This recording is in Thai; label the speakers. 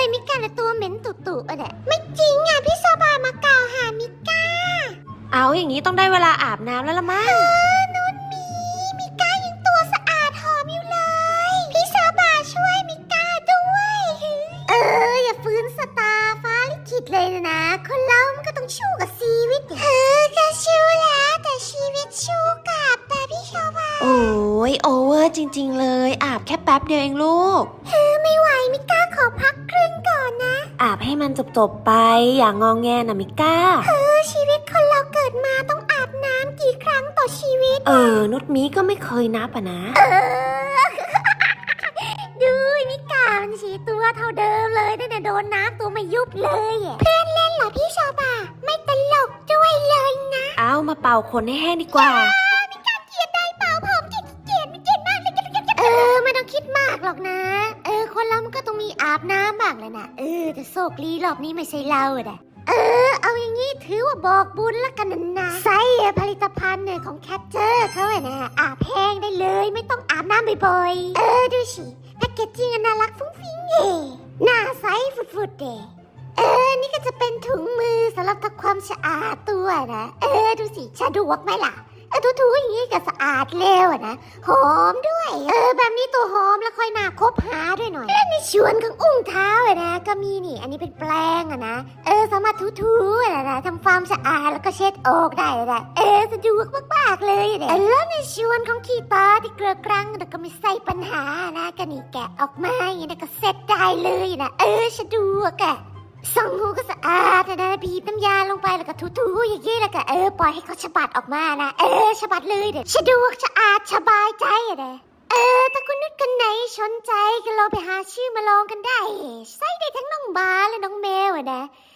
Speaker 1: มิก้าและตัวเหม็นตุ่ๆอะไม่จริงอ่ะพี่โซบามากล่าวหามิก้า
Speaker 2: เอาอย่างนี้ต้องได้เวลาอาบน้ำแล้วละมั้ง
Speaker 1: นุ่นมิก้ายังตัวสะอาดหอมอยู่เลยพี่โซบาช่วยมิก้าด้วยอย่าฟื้นสตาร์ฟ้าลิขิตเลยนะคนเรามันก็ต้องสู้กับชีวิตก็สู้แล้วแต่ชีวิตสู้กลับแต่พี่โซบา
Speaker 2: โอ้ยโอเวอร์จริงๆเลยอาบแค่แป๊บเดียวเองลูก
Speaker 1: ไม่ไหวมิก้าขอพักครึ่งก่อนนะ
Speaker 2: อาบให้มันจบๆไปอย่างงองแงนะมิก้า
Speaker 1: ชีวิตคนเราเกิดมาต้องอาบน้ำกี่ครั้งต่อชีวิต
Speaker 2: นุชมีก็ไม่เคยนับอะนะ
Speaker 1: ดูมิก้ามันสีตัวเท่าเดิมเลยตั้งแต่โดนน้ำตัวไม่ยุบเลยเพื่อนเล่นเหรอพี่ชอบาไม่ตลกด้วยเลยนะ
Speaker 2: เอามาเป่าขนให้แห้งดีกว่า
Speaker 1: มิก้าเกลียดได้เป่าผมเกลียดไม่เกลียดมากเลยไม่ต้องคิดมากหรอกนะคนเรามันก็ต้องมีอาบน้ำบ้างเลยนะแต่โชคดีรอบนี้ไม่ใช่เราอะเอาอย่างงี้ถือว่าบอกบุญละกันนะใส่ผลิตภัณฑ์ของแคทเจอร์เขาอะนะอาบแห้งได้เลยไม่ต้องอาบน้ำบ่อยๆดูสิแพคเกจจิ้งน่ารักฟุ้งฟิ้งหน้าใสฟุดๆนี่ก็จะเป็นถุงมือสำหรับทำความสะอาดตัวนะดูสิสะดวกไหมล่ะถูๆอย่างนี้ก็สะอาดเร็วนะหอมด้วยแบบนี้ตัวหอมแล้วค่อยมาคบหาด้วยหน่อยและในส่วนของอุ้งเท้านะก็มีนี่อันนี้เป็นแปรงนะสามารถถูๆนะทำความสะอาดแล้วก็เช็ดออกได้นะสะดวกมากๆเลยนะแล้วในส่วนของขี้ตาที่เกลือกรังก็ไม่ใส่ปัญหานะก็นี่แกะออกมาอย่างนี้ก็เสร็จได้เลยนะสะดวกส่องหูก็สะอาดนะบีบน้ำยาลงไปแล้วก็ถูๆอย่างนี้แล้วก็ปล่อยให้เขาฉบัดออกมานะฉบัดเลยเด็ดสะดวกสะอาดสบายใจนะถ้าคุณนึกกันไหนสนใจก็ลองไปหาชื่อมาลองกันได้ใส่ได้ทั้งน้องบาและน้องแมวนะ